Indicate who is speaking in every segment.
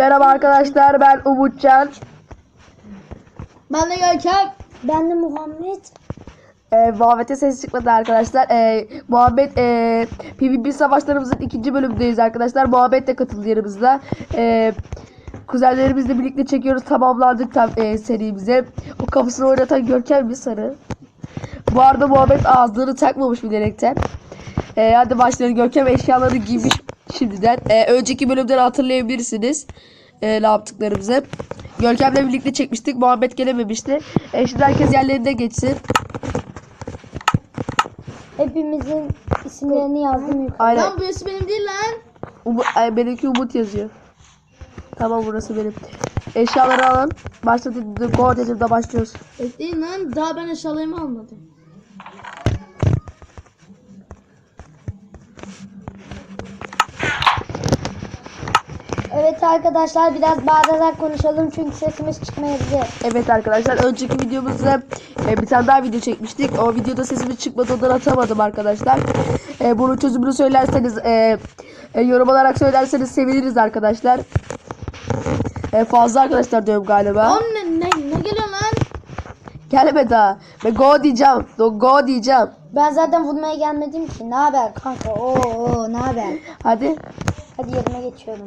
Speaker 1: Merhaba arkadaşlar, ben Umutcan.
Speaker 2: Ben de Görkem.
Speaker 3: Ben de Muhammed.
Speaker 1: Muhammed'e ses çıkmadı arkadaşlar. Muhammed PvP savaşlarımızın 2. bölümündeyiz arkadaşlar. Muhammed de katıldı yanımızda. Kuzenlerimizle birlikte çekiyoruz. Tamamlandık serimize. O kafasını oynatan Görkem bir sarı. Bu arada Muhammed ağzını takmamış bilerekten. Hadi başlayalım. Görkem eşyaları giymiş şimdiden. Önceki bölümden hatırlayabilirsiniz ne yaptıklarımızı. Görkem'le birlikte çekmiştik. Muhammed gelememişti. Şimdi herkes yerlerine geçsin.
Speaker 3: Hepimizin isimlerini yazdım yukarı.
Speaker 1: Aynen.
Speaker 2: Lan burası benim değil lan.
Speaker 1: Benimki Umut yazıyor. Tamam, burası benim. Eşyaları alın. Başla dedim. Go dedim de başlıyoruz.
Speaker 2: Bekleyin lan. Daha ben eşyalarımı almadım.
Speaker 3: Evet arkadaşlar, biraz bağırarak konuşalım çünkü sesimiz çıkmayabilir.
Speaker 1: Evet arkadaşlar, önceki videomuzda bir tane daha video çekmiştik. O videoda sesimiz çıkmadı, ondan atamadım arkadaşlar. Bunun çözümünü söylerseniz yorum olarak söylerseniz seviniriz arkadaşlar. Fazla arkadaşlar diyorum galiba.
Speaker 2: Oğlum ne geliyor lan?
Speaker 1: Gelme daha. Ben go diyeceğim. Go diyeceğim.
Speaker 3: Ben zaten vurmaya gelmedim ki. Ne haber kanka? Oo ne haber?
Speaker 1: Hadi.
Speaker 3: Hadi yerime geçiyorum.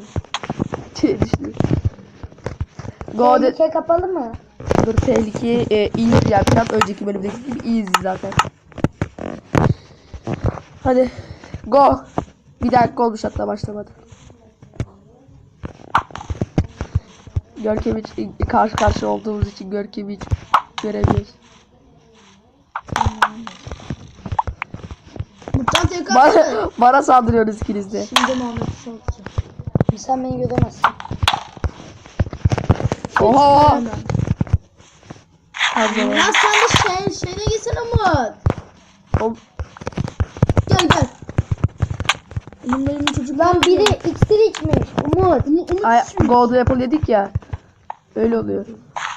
Speaker 1: Go de.
Speaker 3: Tehlike kapalı mı?
Speaker 1: Dur, tehlikeyi iyi yapacağım. Önceki bölümdeki gibi iyiyiz zaten. Hadi. Go. Bir dakika olmuş, hatta başlamadı. Görkem hiç karşı karşı olduğumuz için Görkem'i hiç göremiyoruz.
Speaker 2: Mutlan tekrar.
Speaker 1: Bana saldırıyorsunuz ikiniz de.
Speaker 2: Şimdi Muhammed'i sallayacağım.
Speaker 3: Sen beni göremezsin.
Speaker 1: Oha.
Speaker 2: Hemen.
Speaker 1: Hadi
Speaker 2: Ya sen de şeyine gitsene Umut.
Speaker 1: bakalım.
Speaker 2: Gel. Benim çocuklar.
Speaker 3: Lan biri iksir içmiş. Umut.
Speaker 2: Umut
Speaker 1: Ay,
Speaker 2: düşmüş.
Speaker 1: Gold'u yapalım dedik ya. Öyle oluyor.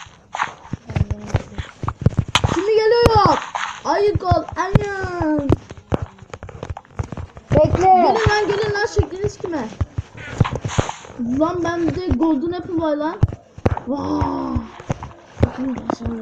Speaker 2: Şimdi geliyor. Ayı gol. Ayın.
Speaker 3: Bekle.
Speaker 2: Gelin lan şekliniz kime? Lan ben bir de golden apple var lan. Vaaay. Bakın ben sana.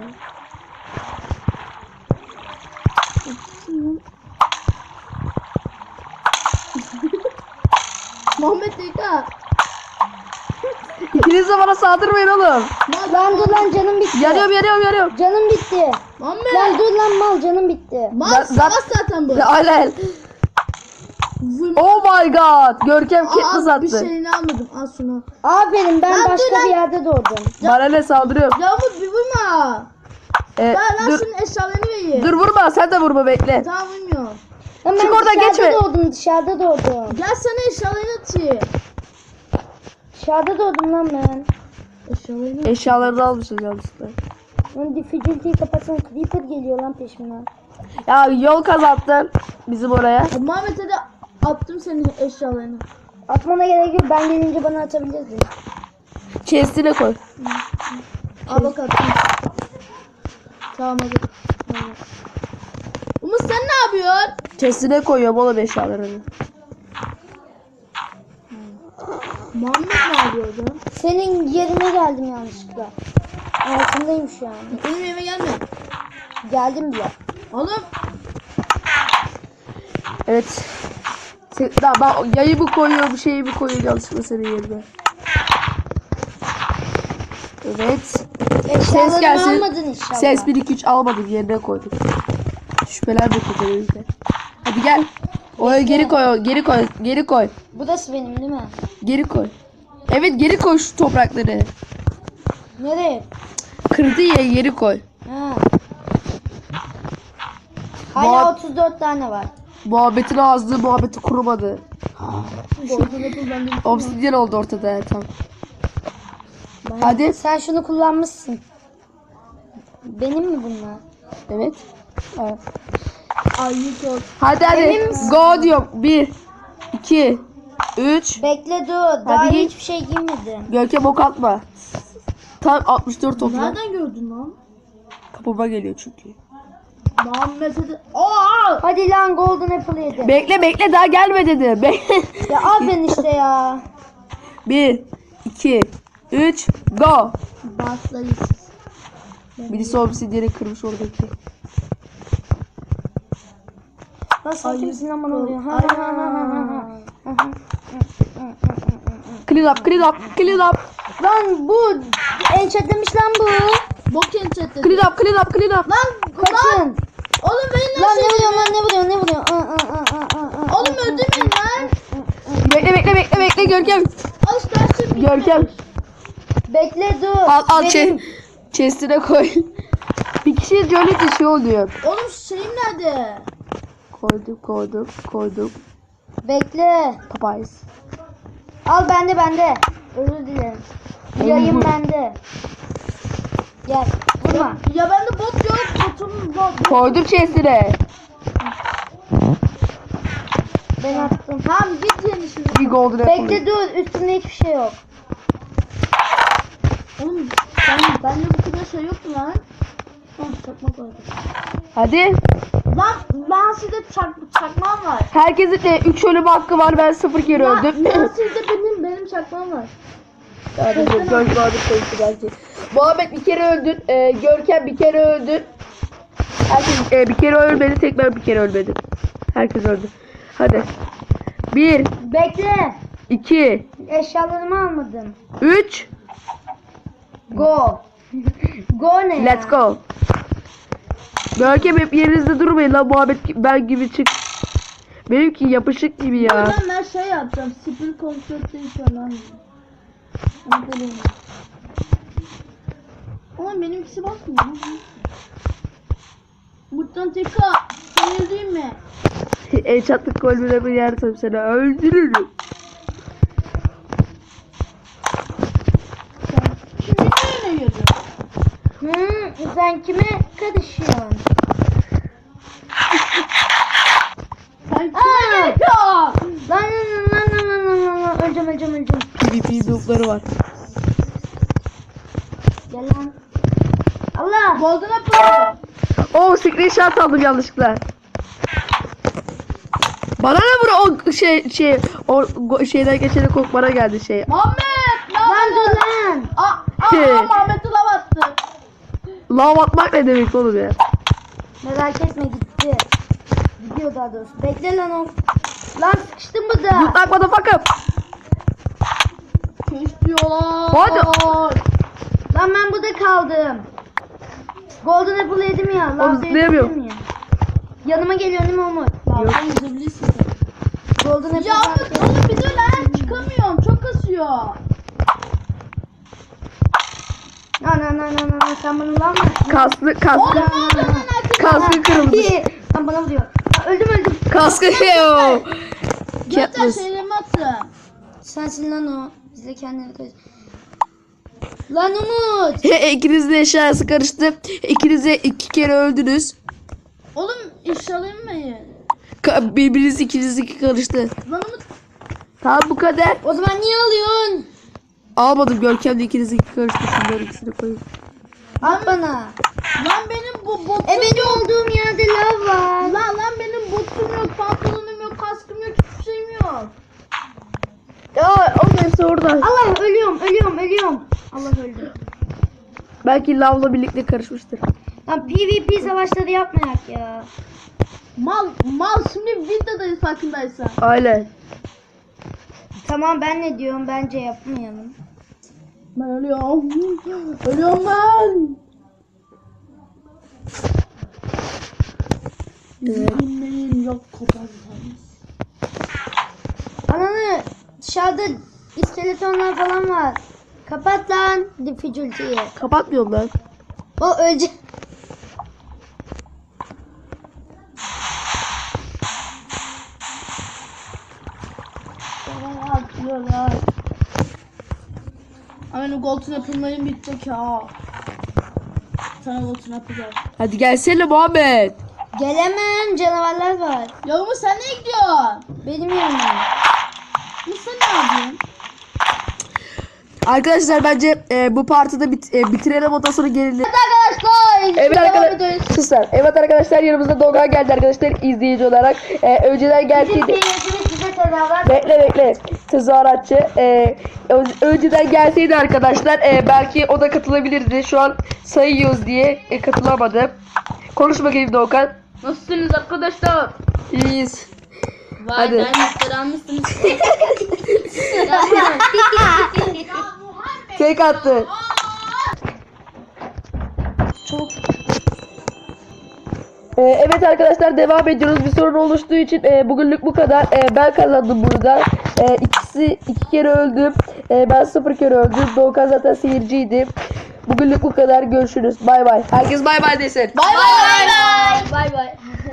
Speaker 2: Muhammed Deka.
Speaker 1: İkiniz de bana saldırmayın oğlum.
Speaker 3: Lan dur lan, canım bitti.
Speaker 1: Yanıyorum.
Speaker 3: Canım bitti.
Speaker 2: Muhammed.
Speaker 3: Lan dur lan mal, canım bitti.
Speaker 2: Mal savaş zaten bu.
Speaker 1: Aynen.
Speaker 2: Vurma.
Speaker 1: Oh my god. Görkem Katniss
Speaker 2: Aa, bir
Speaker 1: attı.
Speaker 2: şeyini almadım. Al şunu.
Speaker 3: Aferin, ben
Speaker 2: Lan dur
Speaker 3: başka
Speaker 2: lan.
Speaker 3: bir yerde doğdum.
Speaker 1: Bana ne, saldırıyorum.
Speaker 2: Ya Umut bir vurma. Ben lan
Speaker 1: Dur,
Speaker 2: şunun eşyalarını vereyim.
Speaker 1: dur vurma, sen de vurma, bekle.
Speaker 2: Tamam vurmuyorum.
Speaker 3: Lan
Speaker 1: Çık
Speaker 3: ben
Speaker 1: oradan,
Speaker 3: dışarıda
Speaker 1: geçme.
Speaker 3: doğdum, dışarıda doğdum.
Speaker 2: Gel sana eşyalarını atayım.
Speaker 3: Dışarıda doğdum lan ben.
Speaker 2: Eşyalarını
Speaker 1: Eşyalarını almışız yanlışlıkla.
Speaker 3: Lan difficulty'yi kapatsana, creeper geliyor lan peşimden.
Speaker 1: Ya yol kazattın bizim oraya.
Speaker 2: Muhammed'e de attım senin eşyalarını.
Speaker 3: Atmana gerek yok, ben gelince bana atabilirsin.
Speaker 1: Chest'ine koy.
Speaker 2: Al bak attım. Tamam hadi. Tamam. Umut sen ne yapıyorsun?
Speaker 1: Chest'ine koyuyorum oğlum eşyalarını.
Speaker 2: Muhammed ne yapıyordu?
Speaker 3: Senin yerine geldim yanlışlıkla. Altındayım şu an.
Speaker 2: Benim evime gelme.
Speaker 3: Geldim bile.
Speaker 2: Oğlum.
Speaker 1: Evet. Daha ben yayımı koyuyorum, şeyimi koyuyorum yanlışlıkla senin yerine. Evet.
Speaker 3: Eşyalarımı
Speaker 1: gelsin.
Speaker 3: almadın inşallah.
Speaker 1: Ses 1 2 3 almadım, yerine koydum. Şüpheler bekliyor elimizde. Hadi gel. Oraya geri koy.
Speaker 3: Burası benim değil mi?
Speaker 1: Geri koy. Evet, geri koy şu toprakları.
Speaker 3: Nereye?
Speaker 1: Kırdı ya, geri koy.
Speaker 3: Ha. Hala 34 tane var.
Speaker 1: Muhabbetin ağzı muhabbeti kurumadı.
Speaker 2: Golden apple bende.
Speaker 1: Obsidyen oldu ortada, tamam. Hadi.
Speaker 3: Sen şunu kullanmışsın. Benim mi bunlar?
Speaker 1: Evet. Evet.
Speaker 2: Ayı gol.
Speaker 1: Hadi
Speaker 3: Emin misin?
Speaker 1: go diyorum. 1 2 3.
Speaker 3: Bekle dur. Daha
Speaker 1: giy.
Speaker 3: hiçbir şey giymedim.
Speaker 1: Görkem ok atma. Tam 64 topla.
Speaker 2: Nereden gördün lan?
Speaker 1: Kapıma geliyor çünkü.
Speaker 2: Muhammed'e de... Aa!
Speaker 3: Hadi lan golden apple yedi.
Speaker 1: Bekle daha gelme dedi.
Speaker 3: Ya aferin işte ya.
Speaker 1: 1 2 3 go.
Speaker 2: Başlayız.
Speaker 1: Birisi obsidiyeni kırmış oradaki.
Speaker 3: Nasıl kimsin aman oluyor? Ha,
Speaker 2: Ay.
Speaker 3: ha, ha, ha, ha.
Speaker 1: Clean up, clean up, clean up.
Speaker 3: Lan bu enchantlemiş lan bu.
Speaker 2: Bok enchantledim.
Speaker 1: Clean up, clean up, clean up.
Speaker 2: Lan
Speaker 3: Kaçın.
Speaker 2: oğlum beni
Speaker 3: Lan
Speaker 2: nasıl
Speaker 3: ne vuruyorsun
Speaker 2: yedin?
Speaker 3: lan ne vuruyorsun ne vuruyorsun?
Speaker 2: Oğlum öldürmeyin lan.
Speaker 1: Bekle Görkem.
Speaker 2: Al işte her şey bitti.
Speaker 1: Görkem.
Speaker 3: Bekle dur.
Speaker 1: Al
Speaker 3: Benim-
Speaker 1: chest'ine koy. Bir kişi öldürünce şey oluyor.
Speaker 2: Oğlum şeyim nerede?
Speaker 1: Koydum.
Speaker 3: Bekle.
Speaker 1: Papayız.
Speaker 3: Al bende. Özür dilerim. Yayın bende. Gel. Vurma.
Speaker 2: Ya bende bot yok. Botum bot.
Speaker 1: Koydum chest'ine.
Speaker 3: Ben attım.
Speaker 2: Tamam git yeni şimdi.
Speaker 1: Bir golden apple.
Speaker 3: Bekle dur. Üstünde hiçbir şey yok.
Speaker 2: Oğlum bende bu kadar şey yoktu lan. Tamam çakmak vardı.
Speaker 1: Hadi.
Speaker 2: Lan ben sizde çakmağım var.
Speaker 1: Herkesin de 3 ölüm hakkı var. Ben 0 kere öldüm.
Speaker 2: Ben sizde benim çakmağım var.
Speaker 1: Yani Görkem vardı sayısı belki. Muhammed bir kere öldün. Görkem bir kere öldün. Herkes bir kere ölmedi. Tek ben bir kere ölmedim. Herkes öldü. Hadi. 1,
Speaker 3: Bekle.
Speaker 1: 2,
Speaker 3: Eşyalarımı almadım.
Speaker 1: 3.
Speaker 3: Go. Go ne ya?
Speaker 1: Let's go. Görkem hep yerinizde durmayın lan. Muhammed ben gibi çık. Benimki yapışık gibi ya.
Speaker 2: Ben şey yapacağım. Spin konsepti falan. Ama benimkisi basmıyor. Muttan teka. Sen değil mi?
Speaker 1: Çatlık kolbine bir yersem seni öldürürüm.
Speaker 2: Şimdi ne yiyordun?
Speaker 3: Sen kime karışıyorsun?
Speaker 2: Sen
Speaker 3: Aa!
Speaker 2: kime gerekiyor?
Speaker 3: Lan. Öleceğim.
Speaker 1: PvP noob'ları var.
Speaker 3: Gel lan. Allah.
Speaker 2: Golden apple.
Speaker 1: Oo screenshot aldım yanlışlıkla. Bana ne vur o şeyden geçene kok bana geldi şey.
Speaker 2: Muhammed.
Speaker 3: Lan dur lan.
Speaker 2: Muhammed'e lav attı.
Speaker 1: Lav atmak ne demek oğlum ya?
Speaker 3: Merak etme gitti. Gidiyor daha doğrusu. Bekle lan o. Lan sıkıştım burada.
Speaker 1: Mutlak motherfucker.
Speaker 2: Kesiyorlar.
Speaker 1: Hadi.
Speaker 3: Lan ben burada kaldım. Golden Apple yedim ya.
Speaker 1: Oğlum
Speaker 3: Lan
Speaker 1: zıplayamıyorum.
Speaker 3: ya. Yanıma geliyor değil mi Umut?
Speaker 2: Lan sen gidebilirsin.
Speaker 3: Golden Apple.
Speaker 2: Ya oğlum bir dur lan. Çıkamıyorum. Çok kasıyor.
Speaker 3: Lan sen bana lan mı?
Speaker 1: Kaskı
Speaker 2: Oğlum ne oldu lan herkes?
Speaker 1: kaskı kırıldı.
Speaker 3: Lan bana vuruyor. Öldüm.
Speaker 1: Kaskı yo.
Speaker 2: Göster
Speaker 1: Katniss.
Speaker 2: şeylerimi attı.
Speaker 3: Sensin lan o. Biz de kendini koy. Lan Umut.
Speaker 1: İkiniz de eşyası karıştı. İkiniz de 2 kere öldünüz.
Speaker 2: Oğlum eşyalarımı mı?
Speaker 1: Birbiriniz ikiniz iki karıştı.
Speaker 2: Lan Umut.
Speaker 1: Tamam bu kadar.
Speaker 3: O zaman niye alıyorsun?
Speaker 1: Almadım Görkem de ikiniz iki karıştı. Şunları ikisini koyayım.
Speaker 3: At bana.
Speaker 2: Lan benim bu botum
Speaker 3: Benim olduğum yerde lav var.
Speaker 2: Lan benim botum yok, pantolonum yok, kaskım yok, hiçbir şeyim yok.
Speaker 1: Ya o neyse orada.
Speaker 3: Allah ölüyorum. Allah öldü.
Speaker 1: Belki lavla birlikte karışmıştır.
Speaker 3: Lan PvP savaşları yapmayak ya.
Speaker 2: Mal şimdi videodayız farkındaysan.
Speaker 1: Aynen.
Speaker 3: Tamam ben ne diyorum bence yapmayalım.
Speaker 2: Ben ölüyorum. Ölüyorum ben.
Speaker 1: Evet.
Speaker 2: Dinleyin yok koparsanız.
Speaker 3: Ananı dışarıda iskeletonlar falan var. Kapat lan difficulty'yi.
Speaker 1: Kapatmıyorum ben.
Speaker 3: O ölecek.
Speaker 2: Atıyorlar. Benim golden apple'larım bitecek ya. Sana golden apple ver.
Speaker 1: Hadi gelsene Muhammed.
Speaker 3: Gelemem canavarlar var.
Speaker 2: Ya Umut sen ne gidiyorsun?
Speaker 3: Benim yanıma.
Speaker 2: Umut sen ne yapıyorsun?
Speaker 1: Arkadaşlar bence bu partide bitirelim ondan sonra gelelim.
Speaker 3: Arkadaşlar.
Speaker 1: Evet
Speaker 3: devam
Speaker 1: arkadaşlar.
Speaker 3: ediyoruz.
Speaker 1: Suslar. Evet arkadaşlar yanımızda Dogan geldi arkadaşlar izleyici olarak. Önceden gelseydi.
Speaker 3: Bizim seyircimiz bize tezahürat.
Speaker 1: Bekle. tezahüratçı. Önceden gelseydi arkadaşlar belki o da katılabilirdi. Şu an sayıyoruz diye katılamadı. Konuş bakayım Doğukan.
Speaker 2: Nasılsınız arkadaşlar?
Speaker 1: İyiyiz.
Speaker 2: Vay
Speaker 1: Hadi.
Speaker 2: dayanmışlar almışsınız.
Speaker 1: Tek attı.
Speaker 3: Çok
Speaker 1: Evet arkadaşlar devam ediyoruz. Bir sorun oluştuğu için bugünlük bu kadar. Ben kazandım burada. İki kere öldüm. Ben 0 kere öldüm. Doğukan zaten seyirciydi. Bugünlük bu kadar. Görüşürüz. Bay bay. Herkes bay bay desin.
Speaker 2: Bay bay. Bay bay.